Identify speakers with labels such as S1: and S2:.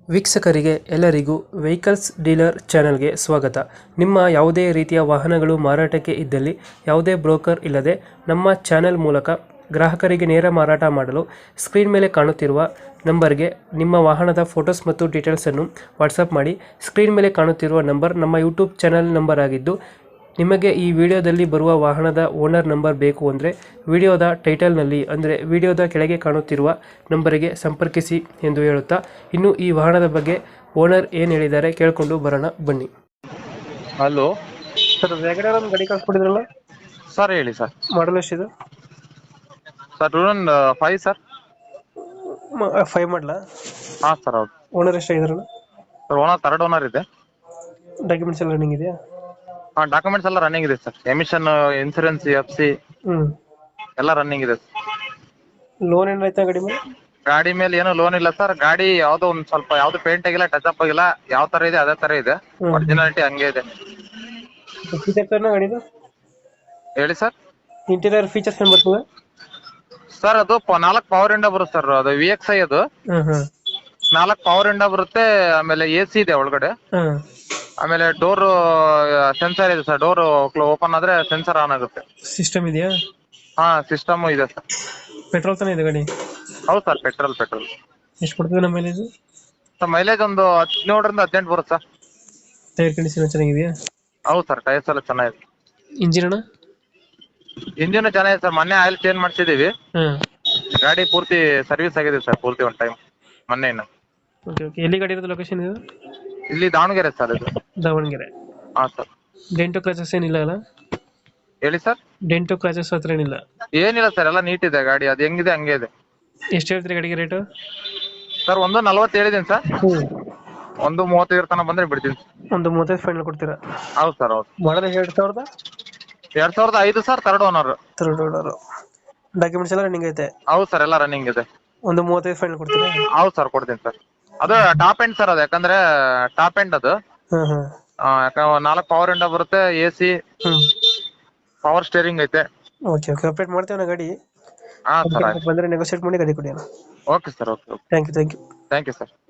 S1: ವೀಕ್ಷಕರಿಗೆ ಎಲ್ಲರಿಗೂ vehicles dealer ಚಾನೆಲ್ಗೆ ಸ್ವಾಗತ. ನಿಮ್ಮ ಯಾವುದೇ ರೀತಿಯ ವಾಹನಗಳು ಮಾರಾಟಕ್ಕೆ ಇದ್ದಲ್ಲಿ ಯಾವುದೇ ಬ್ರೋಕರ್ ಇಲ್ಲದೆ ನಮ್ಮ ಚಾನೆಲ್ ಮೂಲಕ ಗ್ರಾಹಕರಿಗೆ ನೇರ ಮಾರಾಟ ಮಾಡಲು ಸ್ಕ್ರೀನ್ ಮೇಲೆ ಕಾಣುತ್ತಿರುವ ನಂಬರ್ಗೆ ನಿಮ್ಮ ವಾಹನದ ಫೋಟೋಸ್ ಮತ್ತು ಡೀಟೇಲ್ಸನ್ನು ವಾಟ್ಸಪ್ ಮಾಡಿ. ಸ್ಕ್ರೀನ್ ಮೇಲೆ ಕಾಣುತ್ತಿರುವ ನಂಬರ್ ನಮ್ಮ ಯೂಟ್ಯೂಬ್ ಚಾನೆಲ್ ನಂಬರ್ ಆಗಿದ್ದು, ನಿಮಗೆ ಈ ವಿಡಿಯೋದಲ್ಲಿ ಬರುವ ವಾಹನದ ಓನರ್ ನಂಬರ್ ಬೇಕು ಅಂದರೆ ವಿಡಿಯೋದ ಟೈಟಲ್ನಲ್ಲಿ ಅಂದರೆ ವಿಡಿಯೋದ ಕೆಳಗೆ ಕಾಣುತ್ತಿರುವ ನಂಬರಿಗೆ ಸಂಪರ್ಕಿಸಿ ಎಂದು ಹೇಳುತ್ತಾ, ಇನ್ನು ಈ ವಾಹನದ ಬಗ್ಗೆ ಓನರ್ ಏನು ಹೇಳಿದ್ದಾರೆ ಕೇಳಿಕೊಂಡು ಬರೋಣ ಬನ್ನಿ.
S2: ಹಲೋ
S1: ಸರ್, ವ್ಯಾಗನರ್ ಒಂದು ಗಾಡಿ ಕಳ್ಸ್ಕೊಟ್ಟಿದ್ರಲ್ಲ,
S2: ಸರ್, ಹೇಳಿ ಸರ್.
S1: ಮಾಡಲ್ ಎಷ್ಟಿದೆ?
S2: Sir 2005 sir.
S1: 5 ಮಾಡಲ.
S2: ಹಾಂ ಸರ್, ಹೌದು.
S1: ಓನರ್ ಎಷ್ಟಾಗಿದ್ರಲ್ಲ?
S2: ಸರ್, ಥರ್ಡ್ ಓನರ್ ಇದೆ.
S1: ಡಾಕ್ಯುಮೆಂಟ್ಸ್ ಎಲ್ಲ ರನ್ನಿಂಗ್ ಇದೆಯಾ?
S2: ಹಾಂ, ಡಾಕ್ಯುಮೆಂಟ್ಸ್ ಎಲ್ಲ ರನ್ನಿಂಗ್ ಇದೆ ಸರ್. ಎಮಿಷನ್, ಇನ್ಸೂರೆನ್ಸ್, FC ಎಲ್ಲ ರನ್ನಿಂಗ್ ಇದೆ.
S1: ಲೋನ್ ಏನಾಯ್ತಾ ಗಾಡಿ ಮೇಲೆ?
S2: ಗಾಡಿ ಮೇಲೆ ಏನು ಲೋನ್ ಇಲ್ಲ ಸರ್. ಗಾಡಿ ಯಾವ್ದು ಒಂದು ಸ್ವಲ್ಪ ಯಾವ್ದು ಪೇಂಟ್ ಆಗಿಲ್ಲ, ಟಚ್ ಅಪ್ ಆಗಿಲ್ಲ. ಯಾವ ತರ ಇದೆ ಅದೇ ತರ ಇದೆ. ಒರಿಜಿನಾಲಿಟಿ ಹಂಗೆ ಇದೆ.
S1: ಫೀಚರ್ಸ್ ಗಾಡಿದು
S2: ಹೇಳಿ ಸರ್.
S1: ಇಂಟೀರಿಯರ್ ಫೀಚರ್ಸ್ ಏನು ಬರ್ತದೆ
S2: ಸರ್? ಅದು 4 ಪವರ್ ವಿಂಡೋ ಬರುತ್ತೆ ಸರ್. ಅದು VXI ಅದು 4 ಪವರ್ ವಿಂಡೋ ಬರುತ್ತೆ. ಆಮೇಲೆ AC ಇದೆ ಒಳಗಡೆ. ಆಮೇಲೆ ಡೋರ್ ಸೆನ್ಸರ್ ಇದೆ ಸರ್. ಡೋರ್ ಓಪನ್ ಆದ್ರೆ ಸೆನ್ಸರ್ ಆನ್ ಆಗುತ್ತೆ.
S1: ಸಿಸ್ಟಮ್ ಇದೆಯಾ?
S2: ಹಾ, ಸಿಸ್ಟಮ್ ಇದೆ ಸರ್.
S1: ಪೆಟ್ರೋಲ್ ತಾನೇ ಇದೆ ಗಾಡಿ?
S2: ಹೌದು ಸರ್, ಪೆಟ್ರೋಲ್.
S1: ಎಷ್ಟು ಕೊಡ್ತದೆ ನಮ್ಮ ಮೈಲೇಜ್?
S2: ಸರ್, ಮೈಲೇಜ್ ಒಂದು 17ರಿಂದ 18 ಬರುತ್ತೆ ಸರ್.
S1: ಟೈರ್ ಕಂಡೀಷನ್ ಚೆನ್ನಾಗಿದೆಯಾ?
S2: ಹೌದು ಸರ್, ಟೈರ್ಸ್ ಎಲ್ಲ ಚೆನ್ನಾಗಿದೆ.
S1: ಇಂಜಿನ್ ಅಣ್ಣ?
S2: ಇಂಜಿನ್ ಚೆನ್ನಾಗಿದೆ ಸರ್. ಮೊನ್ನೆ ಆಯಿಲ್ ಚೇಂಜ್ ಮಾಡಿಸಿದೀವಿ. ಗಾಡಿ ಪೂರ್ತಿ ಸರ್ವಿಸ್ ಆಗಿದೆ ಸರ್, ಪೂರ್ತಿ ಒಂದು ಟೈಮ್ ಮೊನ್ನೆ.
S1: ಓಕೆ. ಎಲ್ಲಿ ಗಾಡಿ ಇರೋದು? ಲೊಕೇಶನ್ ಇದು
S2: ಇಲ್ಲಿ ದಾವಣಗೆರೆ ಸರ್. ಇದು
S1: ದಾವಣಗೆರೆ.
S2: ಹಾ ಸರ್.
S1: ಡೆಂಟೋ ಕ್ರಾಚಸ್ ಏನಿಲ್ಲ ಅಲ್ಲ?
S2: ಹೇಳಿ ಸರ್.
S1: ಡೆಂಟೋ ಕ್ರಾಚಸ್ ಹತ್ರ ಏನಿಲ್ಲ?
S2: ಏನಿಲ್ಲ ಸರ್, ಎಲ್ಲ ನೀಟ್ ಇದೆ ಗಾಡಿ. ಅದು ಹೆಂಗಿದೆ ಹಂಗೆ ಇದೆ.
S1: ಎಷ್ಟು ಹೇಳ್ತೀರಿ ಗಾಡಿಗೆ ರೇಟು?
S2: ಸರ್, 140 ಹೇಳಿದ್ದೀನಿ ಸರ್. 135 ತನಕ ಬಂದ್ರೆ ಬಿಡ್ತೀನಿ.
S1: 135 ಫೈನಲ್ ಕೊಡ್ತೀರಾ?
S2: ಹೌದು ಸರ್, ಹೌದು.
S1: Model 2000?
S2: 2005 sir, third owner.
S1: Documents ಎಲ್ಲ ರನ್ನಿಂಗ್ ಐತೆ?
S2: ಹೌದು ಸರ್, ಎಲ್ಲ ರನ್ನಿಂಗ್ ಇದೆ.
S1: 135 ಫೈನಲ್ ಕೊಡ್ತೀರಾ?
S2: ಹೌದು ಸರ್, ಕೊಡ್ತೀನಿ ಸರ್. ಅದು ಟಾಪ್ ಎಂಡ್ ಸರ್. ಅದು ಯಾಕಂದ್ರೆ ಟಾಪ್ ಎಂಡ್ ಅದು. ಯಾಕಂದ್ರೆ 4 ಪವರ್ ವಿಂಡೋ ಬರುತ್ತೆ. AC, ಪವರ್ ಸ್ಟೇರಿಂಗ್ ಐತೆ.
S1: ಓಕೆ. ಅಪ್ಡೇಟ್ ಮಾಡ್ತೇವೆ ಗಾಡಿ.
S2: ಹಾ ಸರ್,
S1: ಬಂದರೆ ನೆಗೋಸಿಯೇಟ್ ಮಾಡಿ ಗಾಡಿ ಕೊಡಿ.
S2: Okay sir. Okay.
S1: Thank you.
S2: Thank you sir.